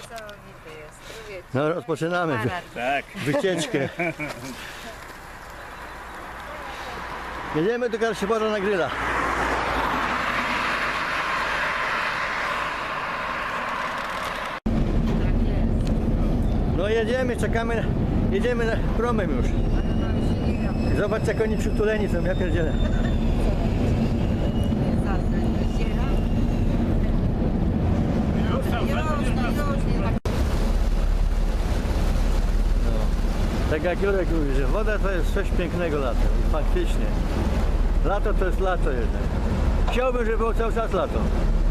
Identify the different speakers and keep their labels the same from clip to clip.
Speaker 1: Niesamowity jest. Człowiek.
Speaker 2: No rozpoczynamy
Speaker 3: Tak.
Speaker 2: wycieczkę. Jedziemy do Karszybora na gryla. No jedziemy, czekamy, jedziemy promem już. Zobacz jak oni przytuleni są, ja pierdzielę. Tak jak Jurek mówi, że woda to jest coś pięknego latem. I faktycznie. Lato to jest lato jednak. Chciałbym, żeby było cały czas lato.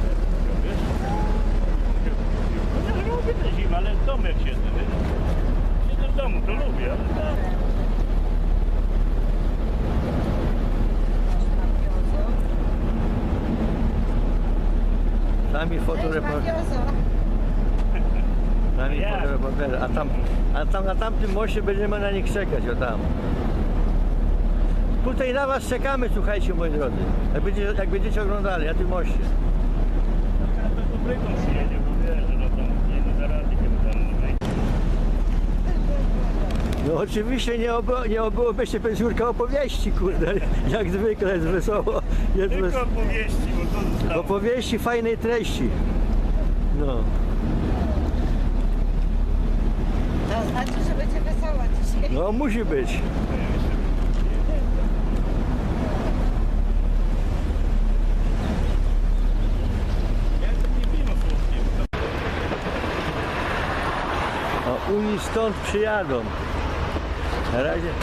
Speaker 3: Ja lubię tę zimę, ale w domu jak siedzę, wiesz? Siedzę w domu, to lubię, ale tak.
Speaker 2: Sami fotoreporterzy. Sami fotoreporterzy. A tam na tamtym moście będziemy na nich czekać, o tam. Tutaj na was czekamy, słuchajcie moi drodzy. Jak będziecie oglądali na tym moście.
Speaker 3: Ja to dobrego przyjedzie, bo wiesz, że no tam nie da rady, kiedy tam wejdzie.
Speaker 2: No oczywiście nie obyłoby się bez Jurka opowieści, kurde. Jak zwykle jest wesoło. Jest
Speaker 3: Tylko opowieści, bo to zostało.
Speaker 2: opowieści fajnej treści. No.
Speaker 1: To znaczy, że będzie wesoło dzisiaj.
Speaker 2: No musi być.
Speaker 3: Ja to nie wiem o słownie.
Speaker 2: A oni stąd przyjadą. Na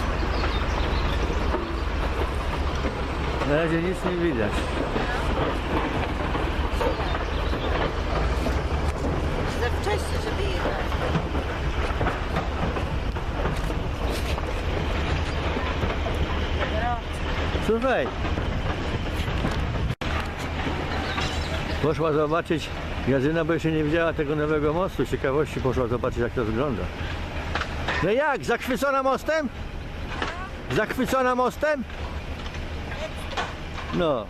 Speaker 2: razie nic nie widać.
Speaker 1: Za wcześnie, żeby jechać.
Speaker 2: Słuchaj. Poszła zobaczyć, Jarzyna, bo jeszcze nie widziała tego nowego mostu. Z ciekawości poszła zobaczyć, jak to wygląda. No jak? Zachwycona mostem? Zachwycona mostem? No.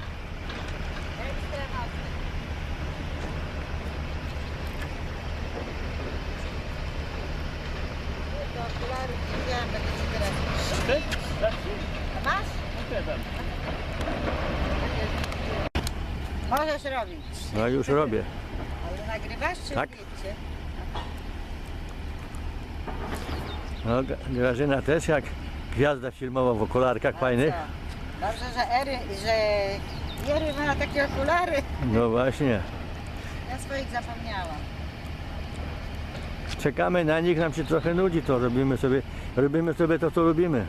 Speaker 1: Do okularów nie wziąłem, będę ci teraz.
Speaker 3: Tak?
Speaker 1: A masz?
Speaker 3: No tam.
Speaker 1: Możesz robić.
Speaker 2: No już robię.
Speaker 1: Ale nagrywasz czy
Speaker 2: Tak.
Speaker 1: wiecie?
Speaker 2: No, Grażyna też jak gwiazda filmowa w okularkach fajnych.
Speaker 1: Dobrze, że Jery ma takie okulary.
Speaker 2: No właśnie.
Speaker 1: Ja swoich zapomniałam.
Speaker 2: Czekamy na nich, nam się trochę nudzi, to robimy sobie to, co lubimy.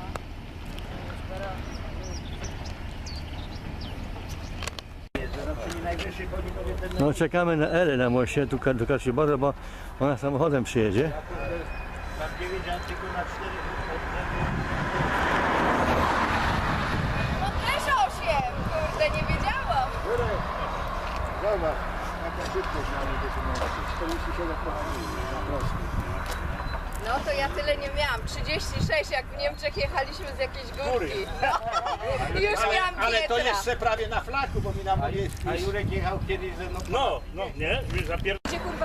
Speaker 2: No czekamy na Elę na moście, tu do Karszybora, bo ona samochodem przyjedzie.
Speaker 3: Mam 9, a tylko na 4.
Speaker 4: No też 8, kurde, nie wiedziałam.
Speaker 5: Zobacz, jaka szybkość mamy do symulacji. 47 km na prostej.
Speaker 4: No to ja tyle nie miałam, 36 jak w Niemczech jechaliśmy z jakiejś górki. No. I już miałam
Speaker 5: Ale to
Speaker 4: pietra.
Speaker 5: jeszcze prawie na flaku, bo mi na mojej
Speaker 3: A Jurek jechał kiedyś ze mną. No, nie? Wiesz,
Speaker 4: Gdzie kurwa?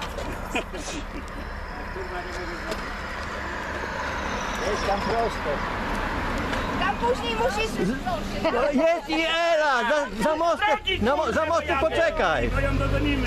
Speaker 5: jest tam prosto.
Speaker 4: Tam później musisz zdążyć.
Speaker 2: No jest i Ela! Za mostem poczekaj!
Speaker 3: Tylko ją dogonimy.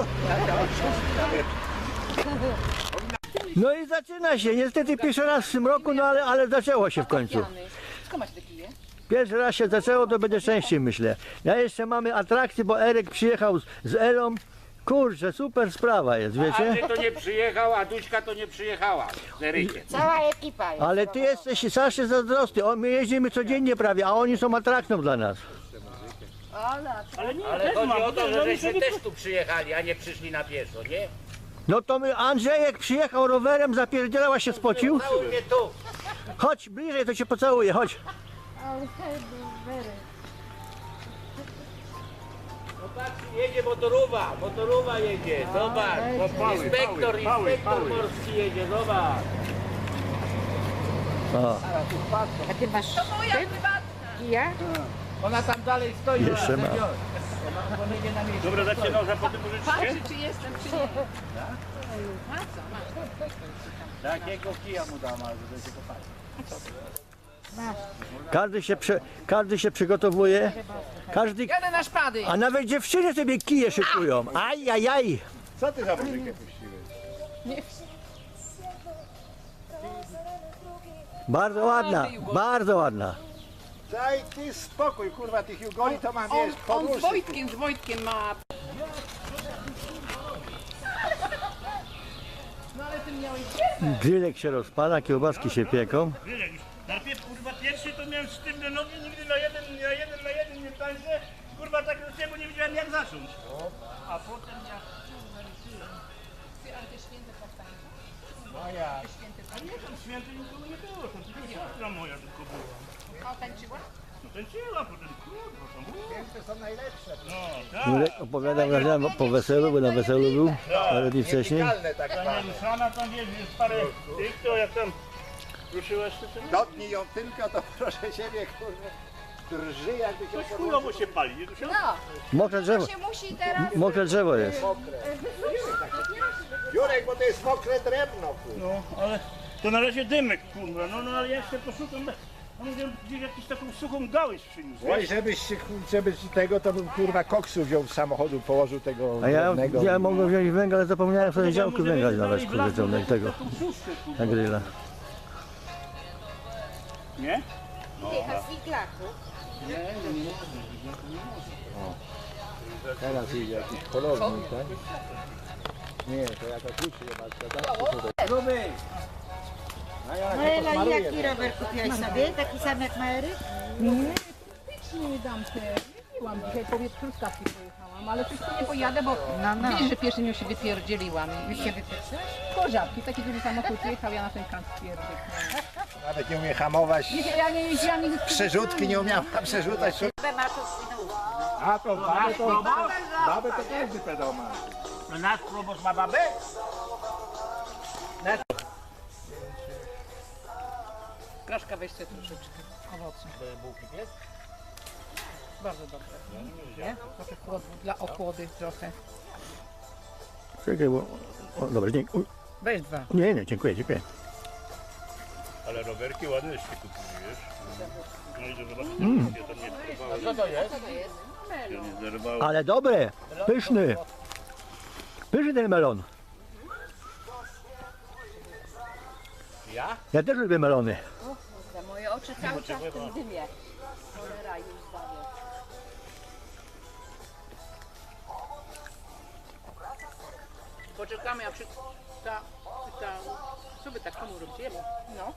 Speaker 2: No i zaczyna się, niestety pierwszy raz w tym roku, no ale zaczęło się w końcu.
Speaker 1: Skąd masz te kije?
Speaker 2: Pierwszy raz się zaczęło, to będzie częściej, myślę. Ja jeszcze mamy atrakcje, bo Erek przyjechał z Elą. Kurczę, super sprawa jest, wiecie?
Speaker 6: Andrzej to nie przyjechał, a Duśka to nie przyjechała z Erykiem.
Speaker 1: Cała ekipa jest.
Speaker 2: Ale ty jesteś strasznie zazdrosny. My jeździmy codziennie prawie, a oni są atrakcją dla nas.
Speaker 3: Ale nie,
Speaker 6: Ale
Speaker 3: też
Speaker 6: chodzi
Speaker 3: mam,
Speaker 6: o to,
Speaker 3: no,
Speaker 6: że
Speaker 3: my
Speaker 6: żeśmy
Speaker 3: sobie
Speaker 6: też tu przyjechali, a nie przyszli na pieszo, nie?
Speaker 2: No to Andrzejek przyjechał rowerem, zapierdzielała się spocił.
Speaker 6: Cały mnie tu.
Speaker 2: Chodź, bliżej to cię pocałuję, chodź.
Speaker 6: No patrz, jedzie motorowa jedzie, zobacz. Inspektor morski jedzie, zobacz.
Speaker 2: O.
Speaker 1: A ty masz
Speaker 4: To moja prywatna.
Speaker 1: kija?
Speaker 6: Ona tam dalej stoi.
Speaker 2: Jeszcze ma.
Speaker 6: Ona nie na miejscu.
Speaker 3: Dobra, dacie noża potem pożyczycie?
Speaker 4: Patrzy, czy jestem, czy nie. A co, masz?
Speaker 6: Takiego kija mu dam, ale żeby się popatrzyć.
Speaker 2: Każdy się przygotowuje. Każdy,
Speaker 4: Jadę na szpady.
Speaker 2: a nawet dziewczyny sobie kije szykują. Aj, aj, aj.
Speaker 5: Co ty za muzykę puściłeś?
Speaker 2: Bardzo ładna, bardzo ładna.
Speaker 5: Daj ty spokój, kurwa, tych jugoli to mam, wiesz,
Speaker 4: On z
Speaker 5: podłuższy.
Speaker 4: Wojtkiem ma. No ale ty miałeś
Speaker 2: Grylek się rozpala, kiełbaski się pieką.
Speaker 3: Wiesz, jak już najpierw kurwa pierwszy to miałem sztywne nogi, nigdy na jeden nie tańczę. Kurwa tak do ciebie nie wiedziałem jak zacząć. A potem jak
Speaker 4: ale te święte powstańcze.
Speaker 3: A nie, tam święty nikogo nie było, to tylko siostra moja tylko była.
Speaker 4: A tańczyła?
Speaker 3: No tańczyła potem, kurwa tam.
Speaker 5: Święte są najlepsze.
Speaker 3: No tak.
Speaker 2: Grylek opowiadał że po weselu, bo na weselu był parę dni wcześniej.
Speaker 5: Nietykalne tak
Speaker 3: Ta
Speaker 5: zwane.
Speaker 3: nieruszana tam jest parę tych, to jak tam ruszyłaś to co?
Speaker 5: Dotknij ją tylko, to proszę ciebie, kurwa, drży jakby się
Speaker 3: Coś
Speaker 5: podłożył.
Speaker 3: chujowo się pali, nie Dusia?
Speaker 4: No,
Speaker 2: Mokre drzewo,
Speaker 4: to się musi teraz...
Speaker 2: mokre drzewo jest.
Speaker 5: Jurek, bo to jest mokre drewno, kurwa.
Speaker 3: No, ale to na razie dymek, kurwa, no ale ja jeszcze poszukam, no mówię, gdzieś jakąś taką suchą gałąź przyniósł,
Speaker 5: Oj,
Speaker 3: wiesz?
Speaker 5: żebyś tego, to bym kurwa koksu wziął z samochodu, położył tego
Speaker 2: A ja
Speaker 5: drewnego.
Speaker 2: mogłem wziąć węgla, ale zapomniałem sobie działku
Speaker 3: Może
Speaker 2: węgla
Speaker 3: będzie
Speaker 2: znaleźć,
Speaker 3: dalej w
Speaker 2: kurde,
Speaker 3: lasu,
Speaker 2: tego,
Speaker 3: taką suszkę, kurwa.
Speaker 2: na grilla.
Speaker 3: Nie?
Speaker 5: Teraz idzie jakiś polownik, tak? Nie, to jako kluczy chyba. Gruby! A ja
Speaker 1: No Ela, jaki rower kupiłaś sobie? Taki sam jak ma Eryk?
Speaker 7: Nie dam te. Jeździłam dzisiaj, powiedz, truskawki pojechałam, ale coś tu nie pojadę, bo
Speaker 1: No.
Speaker 7: wiesz, że pierwszym ją się wypierdzieliłam.
Speaker 1: Już się wypieprzyłaś?
Speaker 7: Korzabki, taki duży samochód jechał, ja na ten kant pierdyknęłam.
Speaker 5: Nawet nie umie hamować.
Speaker 7: Ja nie jeździłam nigdy z
Speaker 5: Przerzutki nie umiała przerzucać.
Speaker 1: Ma tu swój
Speaker 5: A to babę to każdy pedał ma.
Speaker 6: No nasz proboszcz ma babę?
Speaker 7: Kraszka weźcie troszeczkę owocu. Bardzo dobre. Nie? Trochę chłodu, dla ochłody trochę.
Speaker 2: Czekaj, bo... O, dobra, dziękuję.
Speaker 7: Weź dwa.
Speaker 2: Nie, dziękuję, dziękuję.
Speaker 3: Ale rowerki ładne się kupili, wiesz? No i to zobaczyć, ja tam nie próbowałem,
Speaker 6: Co to jest?
Speaker 3: ja nie zerwałem.
Speaker 2: Ale dobre, pyszny. Pyszny ten melon.
Speaker 6: Ja?
Speaker 2: Ja też lubię melony.
Speaker 4: Moje oczy cały czas w tym dymie. Cholera już zawie.
Speaker 7: Poczekamy, a co by tak komu robicie? No.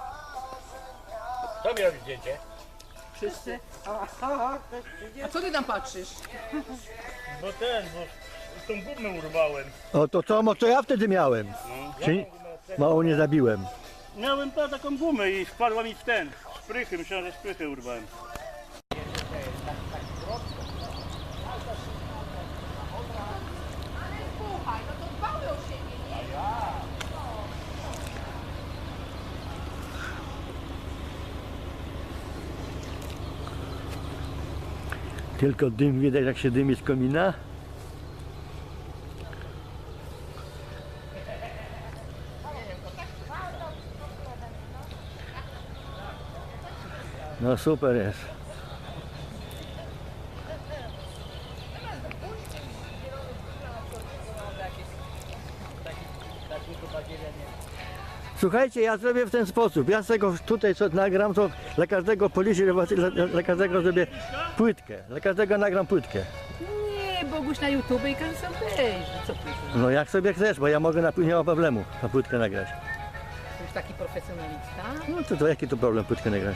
Speaker 6: Kto mi robi zdjęcie?
Speaker 7: Wszyscy. A co ty tam patrzysz?
Speaker 3: Bo tą gumę urwałem.
Speaker 2: O, to co, co ja wtedy miałem? Czy mało nie zabiłem.
Speaker 3: Miałem taką gumę i wpadła mi w ten, szprychy, myślałem, że szprychy urwałem.
Speaker 4: Słuchaj, no to dbały o siebie, nie?
Speaker 2: Tylko dym widać, jak się dymi z komina. No super jest. Słuchajcie, ja zrobię w ten sposób. Ja z tego tutaj co nagram, to dla każdego policji, dla każdego zrobię płytkę. Dla każdego nagram płytkę.
Speaker 7: Nie, Boguś na YouTube i każdy sam wejrzy. Co ty?
Speaker 2: No jak sobie chcesz, bo ja mogę nie ma problemu na płytkę nagrać.
Speaker 7: To już taki profesjonalista.
Speaker 2: No to jaki to problem płytkę nagrać?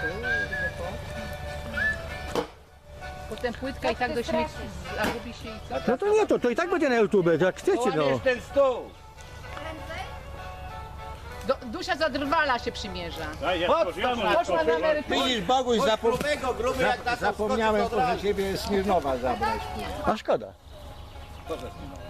Speaker 7: Potem płytka i tak do śmieci zagubi się i co?
Speaker 2: No to nie, to i tak będzie na YouTube, to jak chcecie no.
Speaker 6: Łamiesz ten stół!
Speaker 7: Dusia zadrwala się przymierza.
Speaker 3: Daj, ja
Speaker 7: Poszła na emeryturę.
Speaker 5: Widzisz, Boguś,
Speaker 6: Gruby jak na to
Speaker 5: zapomniałem
Speaker 6: skoczy, to od
Speaker 5: proszę
Speaker 6: razu.
Speaker 5: ciebie Smirnowa zabrać.
Speaker 2: A szkoda.
Speaker 5: Co za Smirnowa?